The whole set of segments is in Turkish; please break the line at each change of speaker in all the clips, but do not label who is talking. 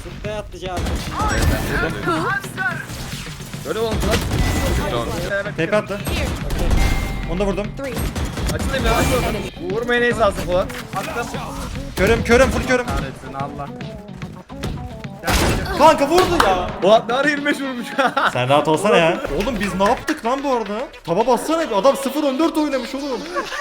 Sprey atlayacağım.
Böyle oldu lan.
TP attı. Onu da vurdum.
Açılayım ya. Vurmaya neyse alsın falan.
Körüm full körüm.
Kahretsin Allah.
Kanka vurdu ya.
Polat ne ara 25 vurmuş.
Sen rahat olsana ya. Oğlum biz ne yaptık lan bu arada? Taba bassana bir adam 0-14 oynamış oğlum.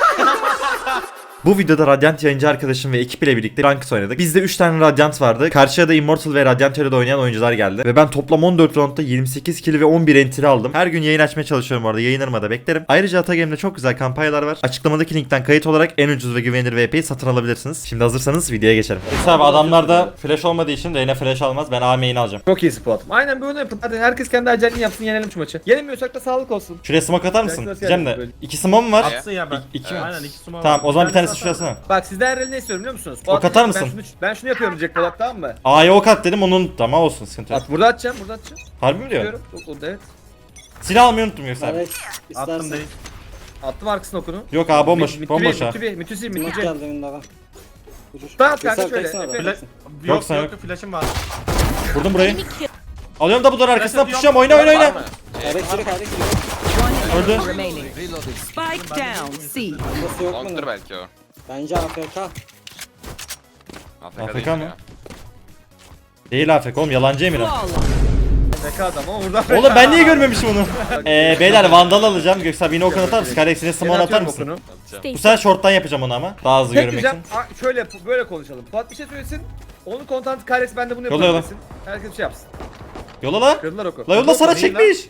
Bu videoda Radiant yayıncı arkadaşım ve ekip ile birlikte Ranked oynadık. Bizde 3 tane Radiant vardı. Karşıya da Immortal ve Radiant Hero'da oynayan oyuncular geldi. Ve ben toplam 14 roundda 28 kill ve 11 entry aldım. Her gün yayın açmaya çalışıyorum orada. Yayınlarıma da beklerim. Ayrıca Atagame'de çok güzel kampanyalar var. Açıklamadaki linkten kayıt olarak en ucuz ve güvenilir VP'yi satın alabilirsiniz. Şimdi hazırsanız videoya geçelim. Abi adamlarda flash olmadığı için Reyna flash almaz. Ben A main'i alacağım.
Çok iyisin Polat. Aynen böyle yapın. Hadi herkes kendi acelini yapsın, yenelim şu maçı. Yenemiyorsak da sağlık olsun.
Şuraya smoke atar mısın?
Nasıl
Diyeceğim de.
böyle?
2 smoke var.
Atsın ya ben.
İki mi?
Aynen 2 sumo.
Tamam o zaman bir tanesi şurasına.
Bak sizden her ne istiyorum biliyor musunuz?
Ok atar mısın?
Ben şunu yapıyorum diyecek Polat, tamam mı?
A'ya ok at dedim onun tamam olsun sıkıntı yok.
At burada atacağım, burada atacağım.
Harbi mi diyorsun?
Diyorum. Yok, evet.
Silah almayı unuttum yoksa abi.
Evet.
Attım
İstersen.
değil.
Attım arkasına okunu.
Yok abi bomboş. Bomboş ha.
Mütüsi.
Smoke geldi önünden.
Tamam kanka
Göster,
şöyle.
backsana bak.
Efe.
Flash.
Yok, sen
Yok
yok.
flash'ım var.
Vurdum burayı. Alıyorum da bu arkasına
Flash
pushacağım. Oyna.
Kayrak sürü.
Öldü.
Remaining. Spike down. C.
Burası yok mu?
Long'dur belki o.
Bence AFK.
AFK,
AFK
değil
mı?
ya.
Değil afek oğlum yalancı Emirhan.
Zeka adam ama burada.
Oğlum ben niye görmemişim onu? Beyler vandal alacağım. Göksel yine okun atar mısın? Karex'ine small atar mısın? Bu sefer short'tan yapacağım onu ama. Daha hızlı
Tek
görmek
diyeceğim.
için.
Şöyle böyle konuşalım. Polat bir şey söylesin. Onun kontantı Kyrex, ben de bunu
Yolla,
yapıyorum
yolla.
desin. Herkes bir şey yapsın.
Yola la.
Kırdılar oku.
La yolla sana
Değil lan.
çekmiş.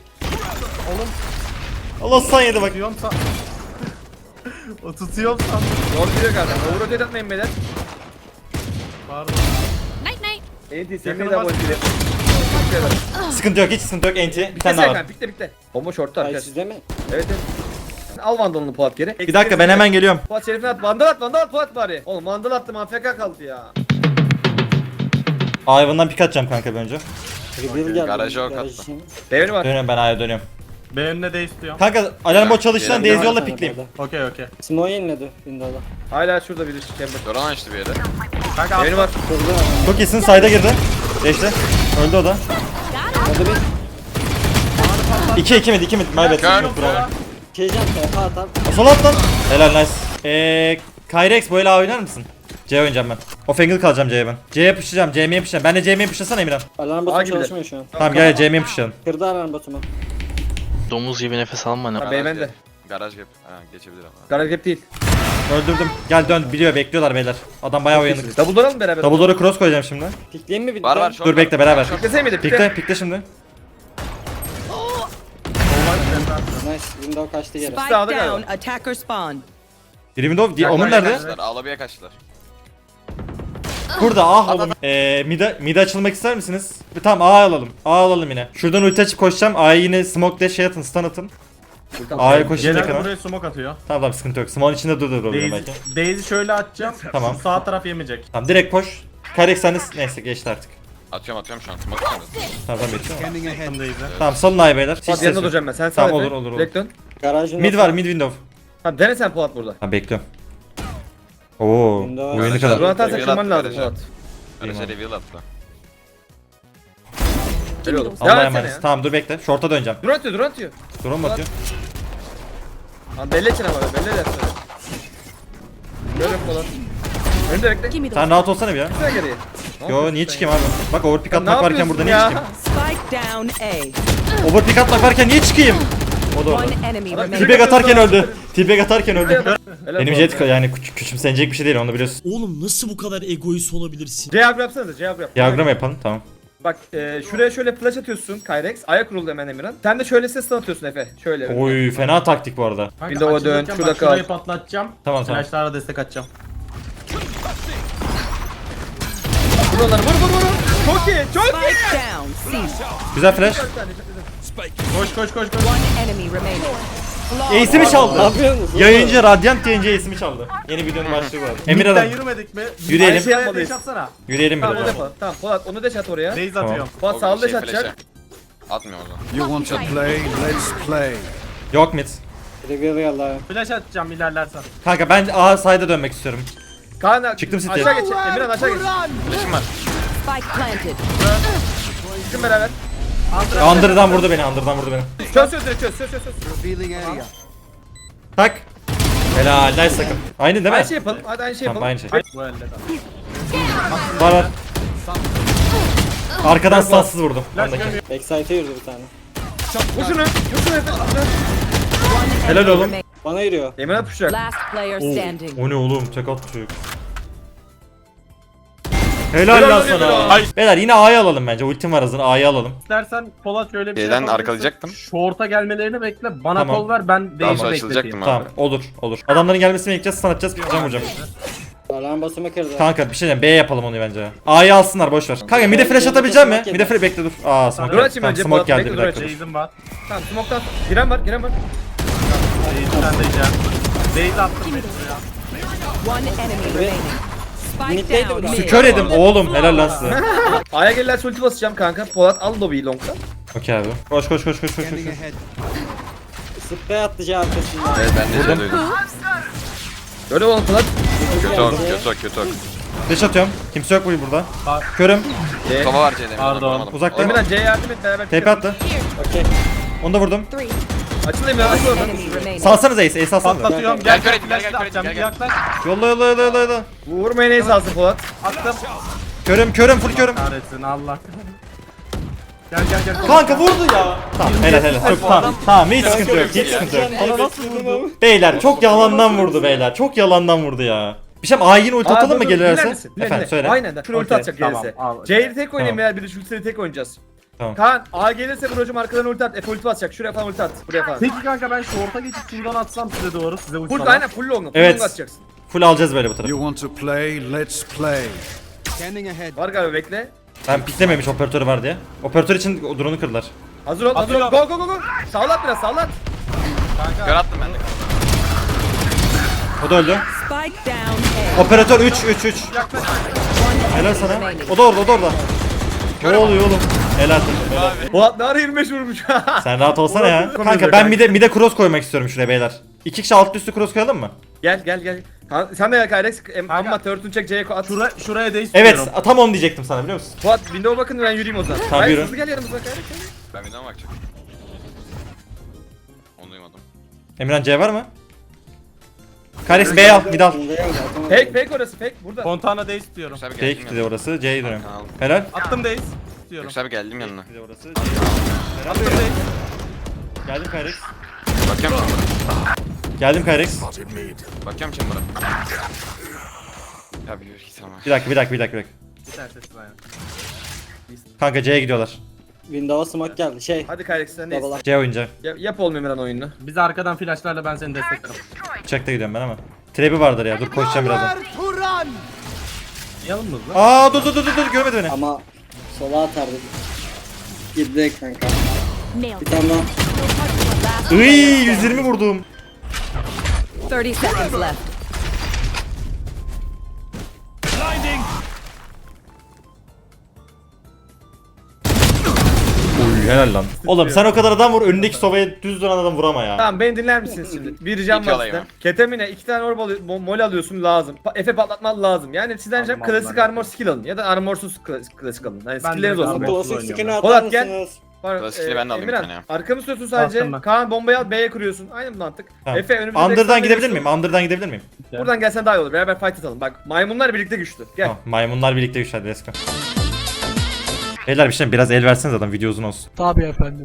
Allah san yedi bak.
Tutuyorum san. O tutuyorum san.
Doğru diyor kardeşim. Overrotate atmayın beyler.
Pardon.
Night night.
Enti
Yakını
sevmeyi de
bas.
abone edelim.
Sıkıntı yok hiç sıkıntı yok. Enti. Bir
Pikle
tane daha var.
Serkan, pikle. Bomba short'ta
Ay
arkadaş.
sizde mi?
Evet evet. Al vandalını Polat geri.
Bir dakika ben hemen geliyorum.
Polat şerifine at. Vandal at Polat bari. Oğlum vandal attım, AFK kaldı ya.
Ayvan'dan pik atacağım kanka bir önce.
Reveal geldi.
Garaja ok
Garaj
attı.
için.
Devri var.
Dönüyorum ben A'ya dönüyorum.
B önüne de istiyorum.
Kanka alarm bot çalıştığından
Yerim
Daisy yolla
Bir tane
pikleyeyim.
böyle.
Okey.
Smoke yeniledi Windows'da.
Hala şurada biri chamber.
Doran açtı bir yere.
Kanka
Devri var.
Kırdı.
Çok iyisin sayda girdi. Geçti. Öldü o da.
Hadi bir
2 mid. Maybet.
Gör.
Bravo.
şeycan TP atar.
Sol at lan. Helal nice. Kyrex böyle A oynar mısın? C oynayacağım ben. Off angle kalacağım C'ye ben. C'ye pushlayacağım. CM'ye pushlayacağım. Ben de CM'ye pushlasana Emirhan.
Alarm
Ağa
botum
gibiler.
çalışmıyor şu an.
Tamam gel CM'ye pushlayalım.
Kırdı alarm botumu.
Domuz gibi nefes alma ne?
Ha beyefendi.
Garaj gap. Ha, geçebilir ama.
Garaj gap değil.
Öldürdüm. Gel dön. Biliyor bekliyorlar beyler. Adam bayağı uyanık.
Double door'alım beraber.
Double door'a cross koyacağım şimdi.
Pikleyeyim mi bir
Var
daha?
var.
Dur bekle beraber.
Piklesene miydi?
Pikle şimdi.
Nice. Window kaçtı yere.
Spike
Sağda galiba.
down. Attacker spawn.
Biri window. Onun nerede?
Kaçtılar. Alabiye kaçtılar.
Burada oğlum. Mid'e açılmak ister misiniz? Tamam A alalım. A alalım yine. Şuradan ulti açıp koşacağım. A'yı yine smoke dash şey atın, stun atın. A'ya koşacak
Genelde
hemen.
buraya smoke atıyor.
Tamam sıkıntı yok. Smoke'un içinde durabilirim belki.
Daisy şöyle atacağım.
Tamam.
Şu sağ taraf yemeyecek.
Tamam direkt koş. Kyrex sen de neyse geçti artık.
Atıyorum şu an. Smoke atıyoruz.
Tamam bekliyorum.
Attım Daisy.
Tamam salın A'yı beyler. Hiç
Polat
ses
yanında
yok.
duracağım ben. Sen
Tamam,
sağ
olur,
Efe.
olur.
Direkt dön.
Garajın
Mid var mid window.
Tamam dene sen Polat burada.
Tamam bekliyorum. Oo.
Window.
Oyunu
Garaj-
kadar.
Bunu atarsak
Reveal
kırman
attı
lazım
garaja.
Polat.
Garaja reveal attı.
Öyle oğlum.
Allah'a
Devam etsene
emanet.
ya.
Tamam dur bekle. Short'a döneceğim.
Dur atıyor.
Drone mu atıyor?
Lan belli etsin ama belli edersin. Böyle Polat. Önde bekle.
Give me the
Sen rahat olsana bir ya.
Gitsene geriye.
Yo niye çıkayım abi? Bak overpick
Ya ne
atmak varken burada niye
yapıyorsun
çıkayım?
spike down A.
Overpick atmak varken niye çıkayım? O da orada.
One enemy remaining.
T-bag atarken öldü. T-bag atarken öldü.
Helal
Benim
Polat.
jet yani küçümsenecek bir şey değil onu biliyorsun.
Oğlum nasıl bu kadar egoist olabilirsin?
Diagram yapsanıza, diagram yap.
Diagram yapalım tamam.
Bak şuraya şöyle flash atıyorsun Kyrex. Ayak vuruldu hemen Emirhan. Sen de şöyle ses atıyorsun Efe. Şöyle.
Oy fena taktik bu arada.
Kanka,
Windows'a dön,
açılırken
şurada
bak şurayı
kal.
patlatacağım.
Tamam.
Flashlarla destek atacağım.
Vur onları, vur. Çok iyi.
Spike down. C.
Güzel flash.
Koş.
One enemy remaining.
Ace'i mi
Ne
çaldı?
yapıyorsunuz?
Yayıncı Radiant yayıncı ace'i mi çaldı? Yeni videonun başlığı bu arada. Emir
Midden
adam.
yürümedik mi?
Yürüyelim.
Aynı şeye
Yapmalıyız.
dash atsana.
Yürüyelim
Tamam
biraz.
onu da yapalım. Tamam Polat onu deş at oraya.
Daisy
Tamam.
atıyorum.
Polat
O
sağlı deş
şey,
atacak.
flash'e. Atmıyor o zaman.
You want to play? Let's play.
Yok mid.
Reveal yallah.
Flash atacağım ilerlersen.
Kanka ben A side'a dönmek istiyorum.
Kaan
Çıktım City'ye.
aşağı geç. Emirhan aşağı geç.
Flash'im var.
Spike planted.
Gitsin beraber.
Under'dan vurdu beni, Under'dan vurdu beni.
Çöz çöz.
Revealing area.
Tak. Helal, nice takım. Aynı değil mi?
Aynı şey yapalım. Hadi aynı şey
Tamam,
yapalım.
aynı şey.
Bu elde de.
Var. Arkadan stansız vurdum. Ondaki.
Backside'e yürüdü bir tane.
Vur şunu. Vur şunu Efe.
Helal oğlum.
Remain-
Bana yürüyor.
Emre puşacak.
Last player standing.
O ne oğlum? Tek attı çocuk. Helal lan sana. Beyler yine A'yı alalım bence. Ultim var hazır. A'yı alalım.
İstersen Polat şöyle bir şey
Şeyden
yapabilirsin.
arkalayacaktım.
Short'a gelmelerini bekle. Bana
Tamam.
kol ver ben
Daha
değişi
sonra
bekleteyim.
açılacaktım
Tamam,
abi.
olur. Adamların gelmesini bekleyeceğiz, stun atacağız, vuracağım.
Alarm basımı kırdı.
Kanka bir şey diyeceğim, B yapalım onu bence. A'yı alsınlar, boş ver. Kanka mid'e flash atabilecek mi? Mid'e flash bekle dur. Aa smoke
Dur
geldi.
açayım
Tamam,
önce,
smoke
Polat,
geldi
bekle,
bir
dur
dakika.
Base'im var.
Tamam smoke'tan. Giren var.
Sen de yiyeceğim. Base attım ben şuraya.
One enemy remaining. Spike
Middeydi
down
bu da.
mid.
Kör edim oğlum, helal lan size.
A'ya gelirlerse ulti basacağım kanka. Polat al lobiyi long'dan.
Okey abi. Koş.
Scanning ahead.
Sprey attı C arkasından.
Evet ben de şey duydum.
Öyle oğlum Polat.
Kötü ok.
Flash atıyorum. Kimse yok bu burada. Körüm.
Kafa var C'de.
Pardon.
Uzakta.
Emirhan C'ye yardım et beraber.
TP attı.
Okey.
Onu da vurdum.
Açıl Emirhan açıl oradan.
Enemy remaining.
Salsanız Ace salsanız.
Patlatıyorum.
Gel,
Gel
gel,
gel
gel,
flash
gel,
atacağım.
gel,
Bir
gel.
yaklaş.
Yolla.
Vurmaya neyse alsın Polat.
Attım.
Körüm full körüm.
Kahretsin Allah. Gel.
Kanka vurdu ya. Tamam helal. Çok tamam hiç sıkıntı yok. Hiç sıkıntı yok.
Bana nasıl vurdu?
Beyler çok yalandan vurdu beyler. Çok yalandan vurdu ya. Bir şey A'yı yine ulti atalım mı gelirlerse? Efendim söyle.
Aynen. Şunu ulti
Okey.
atacak
Tamam,
gelirse.
al.
C'yi tek oynayayım
Tamam.
veya bir de şu ultileri tek oynayacağız.
Tamam.
Kaan A gelirse brocum arkadan ulti at. F ulti atacak. Şuraya falan ulti at. Buraya falan.
Peki kanka ben short'a geçip şuradan atsam size doğru size
Full
uçsam.
aynen full long. Full
Evet.
long atacaksın.
Full alacağız böyle bu tarafı.
You want to play? Let's play. Scanning ahead.
Var galiba bekle.
Ben piklememiş operatörü var diye. Operatör için o drone'u kırdılar.
Hazır ol. Go. Sağlat biraz sağlat.
Kör attım ben de.
O da öldü.
Spike down A.
Operatör 3. Helal sana. O da orada. Ne oluyor oğlum? Helal takım. Helal.
Polat ne ara 25 vurmuş.
Sen rahat olsana ya.
Polat-
Kanka ben mide cross koymak istiyorum şuraya beyler. 2 kişi alt üstü cross koyalım mı?
Gel. Kaan, sen de gel Kyrex. Amma turret'ını çek C'ye at.
Şuraya değiş
Evet
istiyorum.
tam onu diyecektim sana biliyor musun?
Polat window'a bakın ben yürüyeyim o zaman.
Tamam,
Hayır,
yürü.
hızlı gel yanımıza Kyrex.
Ben bir daha bakacağım. Onu duymadım.
Emirhan C var mı? Karex B al, mid al.
Fake orası fake burada.
Fontana değiş istiyorum.
Yüksel abi geldim
Fake de
yanına.
orası, C'yi dönüyorum.
Tamam.
Helal.
Attım değiş istiyorum.
Yüksel abi geldim yanına.
De orası,
Attım değiş.
Geldim Karex.
Bakıyorum chamber'a.
Geldim Karex.
Bakıyorum chamber'a. Ya bir git ama.
Bir dakika.
Bir tane sessiz aynen.
Kanka C'ye gidiyorlar.
Windows'a smoke geldi. Şey.
Hadi Kyrex sen neyiz?
Babalar.
C oyuncu.
Yap oğlum Emirhan oyununu.
Biz arkadan flashlarla ben seni desteklerim.
Check'te gidiyorum ben ama. Trap'i vardır ya. Dur koşacağım birazdan.
Yalın mı hızlı?
Aa dur görmedi beni.
Ama sola atardı. Girdi kanka. Bir tane daha.
Iy 120 vurdum.
30 seconds left.
Uy helal lan. Oğlum sen o kadar adam vur önündeki sovaya düz dönen adam vurama ya.
Tamam beni dinler misiniz şimdi? Bir ricam
İki
var
alayım
sizden. Ketamine 2 tane orb mol alıyorsun lazım. Efe patlatman lazım. Yani sizden ricam
Aldım,
klasik
aldım.
armor skill alın. Ya da armorsuz klasik alın. Yani
Ben
skillleriniz
de
olsun.
aldım.
be.
Klasik skin'i atar
Polat, gel.
mısınız?
Var,
Klasikleri ben de aldım bir
Emirhan,
tane ya.
arkamı tutuyorsun sadece.
Attım ben.
Kaan bombayı al B'ye kuruyorsun. Aynı mantık.
Tamam.
Efe önümüzde
Under'dan
backside
gidebilir
veriyorsun.
miyim? Under'dan gidebilir miyim?
Buradan gelsen daha iyi olur. Beraber fight atalım. Bak maymunlar birlikte güçlü. Gel.
Tamam, maymunlar birlikte güçlendi let's go. Beyler bir şey biraz el verseniz adam video uzun olsun.
Tabii efendim.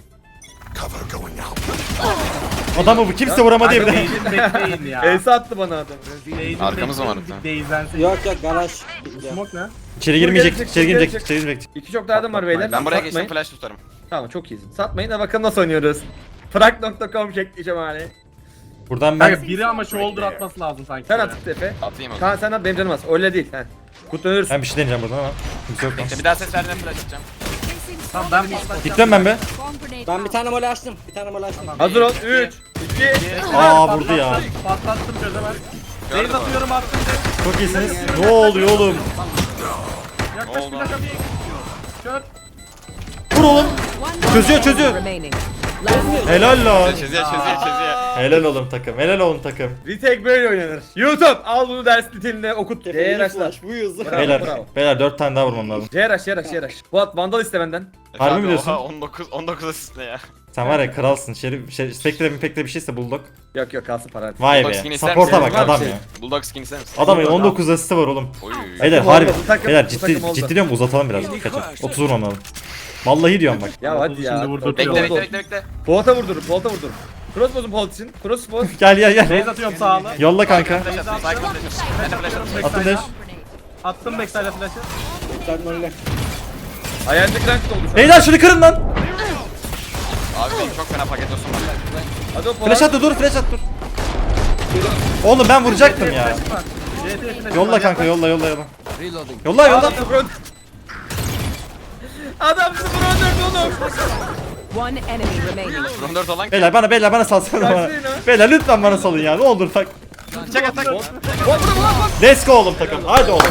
Adamı bu kimse vuramadı diye bir de.
Değizin bekleyin ya.
Elsa attı bana adam.
Değizin
Arkamız mı
bekleyin,
var?
Değizlensin.
Yok garaj.
Smoke ne?
İçeri girmeyecek,
gelecek,
içeri
gelecek.
girecek, içeri girecek.
İki çok yardım var beyler.
Ben buraya
Satmayın.
geçtim flash tutarım.
Tamam çok iyisin. Satmayın da bakalım nasıl oynuyoruz. Frak.com şekli şemali.
Buradan ben
Kanka biri ama shoulder atması lazım sanki.
Sen at Efe.
Atayım onu.
Kaan sen at benim canım az. Öyle değil. He. Kut ölürsün.
bir şey deneyeceğim buradan ama kimse yok lan.
Bir daha ses verdiğinde flash atacağım.
Tamam ben bir
Gittim ben be.
Ben bir tane mole açtım.
Hazır ol. 3, 2,
Aa vurdu ya.
Patlattım çözemez.
Gördüm
Değiz
onu.
atıyorum attım.
Çok iyisiniz. Ne oluyor oğlum?
Yaklaş
oldu?
plaka bir. Çöp.
Vur oğlum.
One
Çözüyor.
remaining.
Helal lan.
Çözüyor.
Helal oğlum takım. Helal oğlum takım.
Retake böyle oynanır. YouTube al bunu ders niteliğinde okut. C'ye rushla.
Flash bu yüzü.
Bravo,
Beyler,
bravo.
beyler 4 tane daha vurmam lazım.
C rush. Fuat Vandal iste benden.
Harbi mi diyorsun?
Oha 19 asist ne ya?
Sen var ya kralsın. Spectre bir şeyse Bulldog.
Yok kalsın para.
Vay
Bulldog
be.
skin ister
Support'a
misin?
bak adam
Şey.
ya.
Bulldog skin ister misin?
Adamın 19 asisti var oğlum.
Oy.
Beyler
Oldu,
harbi.
bu takım-
Beyler
bu takım oldu.
ciddi diyorum uzatalım biraz. Kaçın. 30 vurmam lazım. Vallahi diyorum bak.
Ya hadi ya.
Şimdi vurdurtuyor.
Bekle.
Polat'a vurdurun. Cross bozun Polat için. Cross boz.
Gel.
Base atıyorum sağlı.
Yolla kanka.
Flash at. Cycle flash at. Ben de flash at.
Attım dash.
Attım backside'e flash'ı.
Sen öyle.
Ayağındaki rank oldu şu an.
Beyler şunu kırın lan.
Abi benim çok fena paket olsun var.
Hadi o Polat.
Flash at dur flash at dur. Oğlum ben vuracaktım ya.
CT flash.
Yolla kanka yolla.
Reloading.
Yolla.
Adam 0 Adam 0 oğlum.
One enemy remaining.
14 olan
Beyler bana salsana bana.
Kaçmayın ha.
Beyler lütfen bana salın ya. Ne olur tak.
çek atak.
Let's go oğlum takım. Hadi oğlum.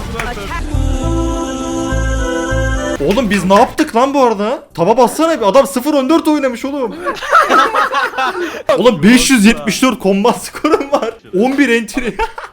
Oğlum biz ne yaptık lan bu arada? Taba bassana bir. Adam 0-14 oynamış oğlum. Oğlum 574 kombat skorum var. 11 entry.